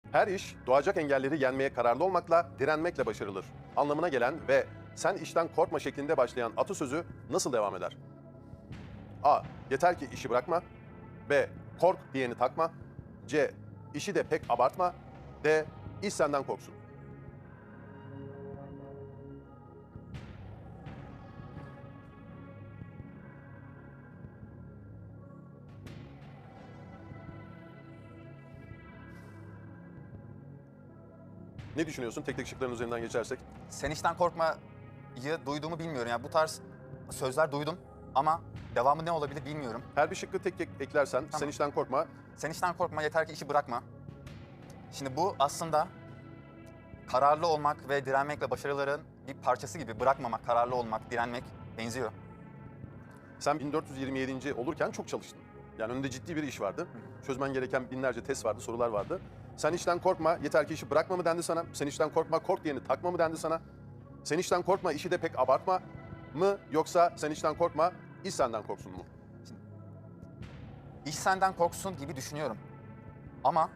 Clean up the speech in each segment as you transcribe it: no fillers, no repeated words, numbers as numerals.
Her iş doğacak engelleri yenmeye kararlı olmakla, direnmekle başarılır anlamına gelen ve sen işten korkma şeklinde başlayan atasözü nasıl devam eder? A. Yeter ki işi bırakma. B. Kork diyeni takma. C. İşi de pek abartma. D. İş senden korksun. Ne düşünüyorsun tek tek şıkların üzerinden geçersek? Sen işten korkmayı duyduğumu bilmiyorum. Yani bu tarz sözler duydum ama devamı ne olabilir bilmiyorum. Her bir şıkkı tek tek eklersen sen işten korkma. Sen işten korkma, yeter ki işi bırakma. Şimdi bu aslında kararlı olmak ve direnmekle başarıların bir parçası gibi. Bırakmamak, kararlı olmak, direnmek benziyor. Sen 1427. olurken çok çalıştın. Yani önünde ciddi bir iş vardı. Çözmen gereken binlerce test vardı, sorular vardı. Sen işten korkma, yeter ki işi bırakma mı dendi sana? Sen işten korkma, kork diyeni takma mı dendi sana? Sen işten korkma, işi de pek abartma mı? Yoksa sen işten korkma, iş senden korksun mu? İş senden korksun gibi düşünüyorum. Ama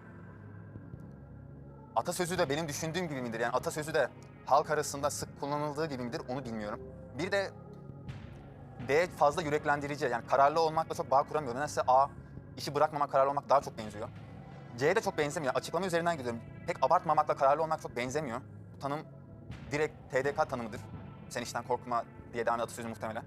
atasözü de benim düşündüğüm gibi midir? Yani atasözü de halk arasında sık kullanıldığı gibi midir onu bilmiyorum. Bir de D fazla yüreklendirici. Yani kararlı olmakla çok bağ kuramıyorum. Nedense A, işi bırakmamak, kararlı olmak daha çok benziyor. C'ye de çok benzemiyor. Açıklama üzerinden gidiyorum. Pek abartmamakla kararlı olmak çok benzemiyor. Bu tanım direkt TDK tanımıdır. Sen işten korkma diye devam eden atasözü muhtemelen.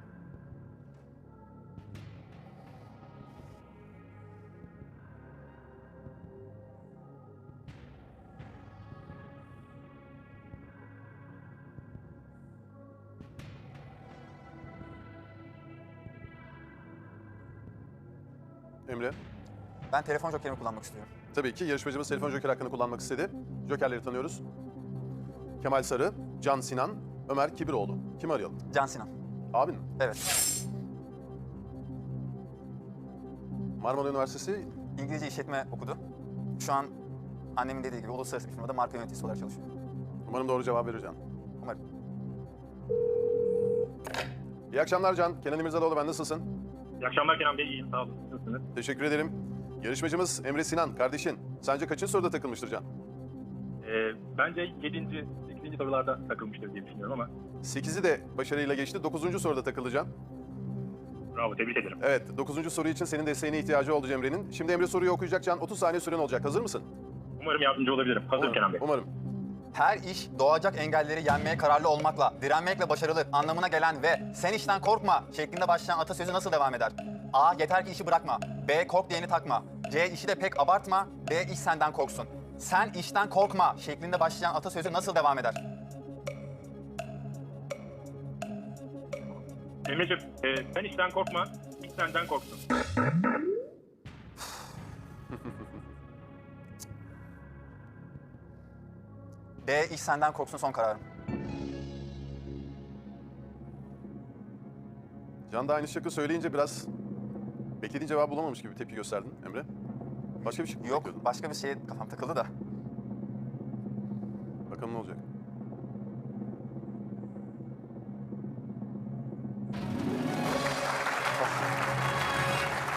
Emre? Ben telefon jokerimi kullanmak istiyorum. Tabii ki yarışmacımız telefon joker hakkını kullanmak istedi. Jokerleri tanıyoruz. Kemal Sarı, Can Sinan, Ömer Kibiroğlu. Kimi arayalım? Can Sinan. Abin mi? Evet. Marmara Üniversitesi. İngilizce işletme okudu. Şu an annemin dediği gibi uluslararası bir firmada marka yöneticisi olarak çalışıyor. Umarım doğru cevap verir Can. Umarım. İyi akşamlar Can. Kenan İmirzalıoğlu ben, nasılsın? İyi akşamlar Kenan Bey, iyiyim, sağ olun. Nasılsınız? Teşekkür ederim. Yarışmacımız Emre Sinan, kardeşin. Sence kaçıncı soruda takılmıştır Can? Bence 7. 8. sorularda takılmıştır diye düşünüyorum ama 8'i de başarıyla geçti. 9. soruda takıldı Can. bravo, tebrik ederim. Evet, 9. soru için senin desteğine ihtiyacı oldu Emre'nin. Şimdi Emre soruyu okuyacak Can. 30 saniye süren olacak. Hazır mısın? Umarım yardımcı olabilirim. Hazırım Kenan Bey. Umarım. Her iş doğacak engelleri yenmeye kararlı olmakla, direnmekle başarılır anlamına gelen ve sen işten korkma şeklinde başlayan atasözü nasıl devam eder? A. Yeter ki işi bırakma. B. Kork diyeni takma. C. İşi de pek abartma. D. İş senden korksun. Sen işten korkma şeklinde başlayan atasözü nasıl devam eder? Emre'ciğim, sen işten korkma, iş senden korksun. D. İş senden korksun son kararım. Can da aynı şıkkı söyleyince biraz beklediğin cevabı bulamamış gibi bir tepki gösterdin Emre. Başka bir şık mı Yok, bekliyordun? başka bir şeye kafam takıldı da. Bakalım ne olacak?